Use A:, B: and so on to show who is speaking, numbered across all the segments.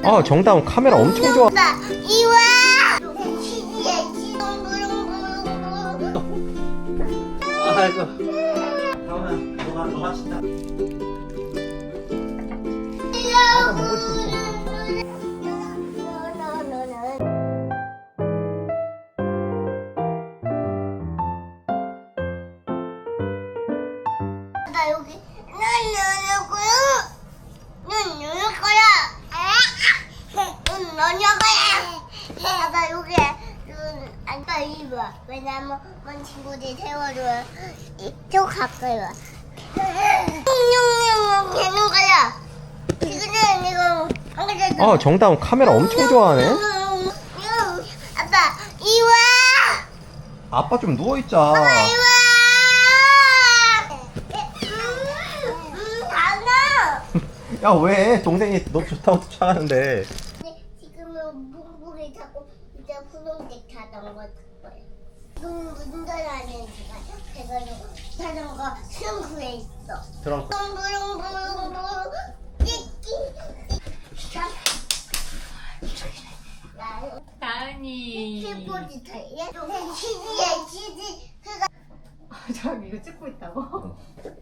A: 아, 정다운 카메라 엄청 좋아.
B: 이와
A: 아이고. 다운아, 너가 친다. 아까 먹을 수 있어.
B: 나 여기 난 누를 거야. 난 누를 거야. 난 너냐 거야. 나 여기 앉아 입어. 왜냐면 먼 친구들이 세워줘요. 이쪽 가까이 와. 냥냥냥 되는 거야. 지금은 이거 안 그래도.
A: 아, 정다운 카메라 엄청 좋아하네.
B: 아빠 이와.
A: 아빠 좀 누워있자.
B: 이와. 달라.
A: 야, 왜? 동생이 너 좋다고 쫓아가는데.
B: 지금은 묵묵히 자꾸 이제 분홍색 자전거 탈 거예요. 지금 운전하는 시간. 그래가지고 자전거 트렁크에 있어.
A: 트렁크.
B: 부릉부릉부릉부릉
C: 다은이.
B: 키보드 타이에 치즈에 그가
C: 저 이거 찍고 있다고?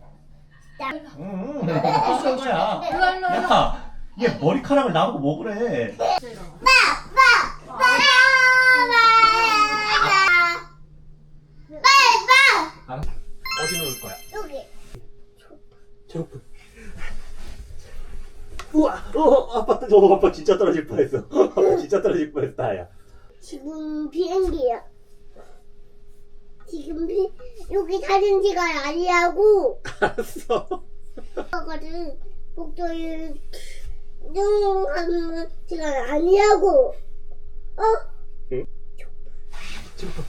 A: 응, 무슨 거야? 야, 얘 머리카락을 나보고 먹으래. 어디 놓을 거야?
B: 여기.
A: 제로프. 우와, 아빠 진짜 떨어질 뻔했어. 아빠 진짜 떨어질 뻔했다, 야.
B: 지금 비행기야. 지금 여기 사진 찍어야 아니라고.
A: 알았어.
B: 거거든. 목도리 하는 시간 아니라고. 어?
A: 응? 제로프.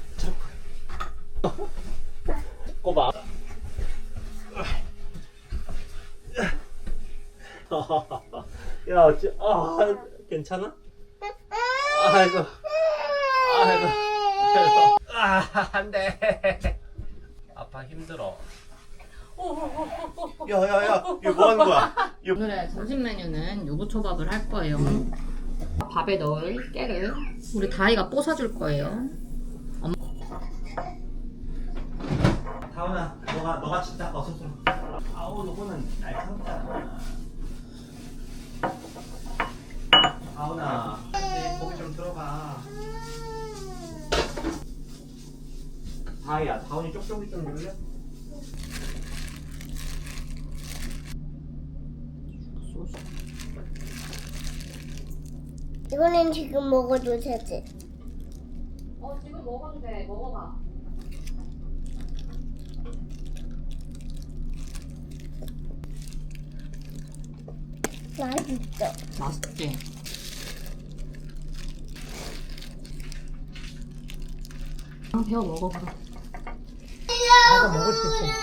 A: 꼬봐. 야, 괜찮아? 아이고. 안 돼. 아빠 힘들어. 야, 이거 뭐 하는 거야?
C: 오늘의 점심 메뉴는 유부초밥을 할 거예요. 밥에 넣을 깨를 우리 다이가 뽀사줄 거예요.
A: 다운아, 너가 진짜 어서 좀. 아우, 너는 날 참잖아. 다운아, 거기 좀 들어가. 다이야, 다운이 쪽쪽이 좀 눌려?
B: 이거는 지금 먹어도 되지.
C: 지금 먹어도 돼. 먹어봐.
B: 맛있어.
C: 맛있지? 배워 먹어봐.
A: 아까 먹을 수 있어.